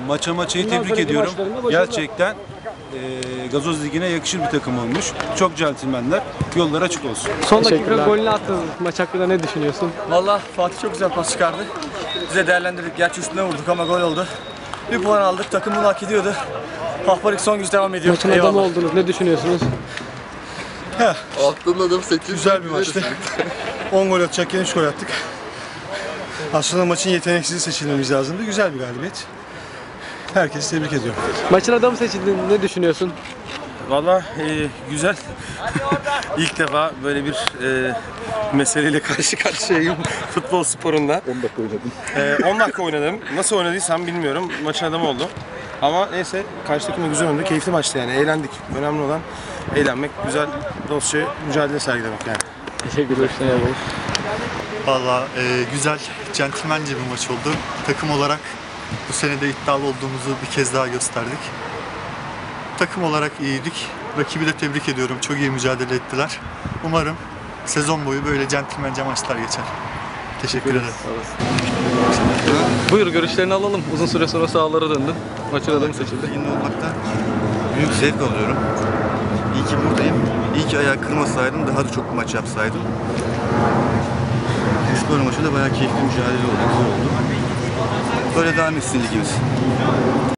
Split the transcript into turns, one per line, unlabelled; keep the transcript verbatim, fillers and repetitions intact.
maça maçayı tebrik ediyorum. Gerçekten e, Gazoz Ligi'ne yakışır bir takım olmuş. Çok centilmenler. Yolları açık olsun.
Son dakika golünü attınız. Maç hakkında ne düşünüyorsun?
Valla Fatih çok güzel pas çıkardı. Bize değerlendirdik. Gerçi üstüne vurduk ama gol oldu. Bir puan aldık. Takım bunu hak ediyordu. Hafparik son güç devam ediyor.
Maçın adamı oldunuz. Ne düşünüyorsunuz?
Attığın adam sekiz.
Güzel bir maçtı. on gol atacakken üç gol attık. Aslında maçın yeteneksiz seçilmemiz lazımdı. Güzel bir galibiyet. Herkesi tebrik ediyorum.
Maçın adamı seçildin. Ne düşünüyorsun?
Valla e, güzel. İlk defa böyle bir e, meseleyle karşı karşıyayım futbol sporunda.
on dakika oynadım.
E, on dakika oynadım. Nasıl oynadıysam bilmiyorum. Maçın adamı oldu. Ama neyse karşı takım da güzel oynadı. Keyifli maçtı yani. Eğlendik. Önemli olan eğlenmek, güzel dostça mücadele sergilemek yani.
Teşekkürler.
Valla e, güzel, centilmence bir maç oldu. Takım olarak bu sene de iddialı olduğumuzu bir kez daha gösterdik. Takım olarak iyiydik. Rakibi de tebrik ediyorum. Çok iyi mücadele ettiler. Umarım sezon boyu böyle centilmence maçlar geçer. Teşekkür ederim.
Buyur, görüşlerini alalım. Uzun süre sonra sahalara döndün. Maçın adamı seçildi.
Yine olmaktan büyük zevk alıyorum. İyi ki buradayım. İyi ki ayağı kırmasaydım, daha da çok maç yapsaydım. Spor maçı da bayağı keyifli mücadele oldu, güzel oldu. Böyle devam etsin ligimiz.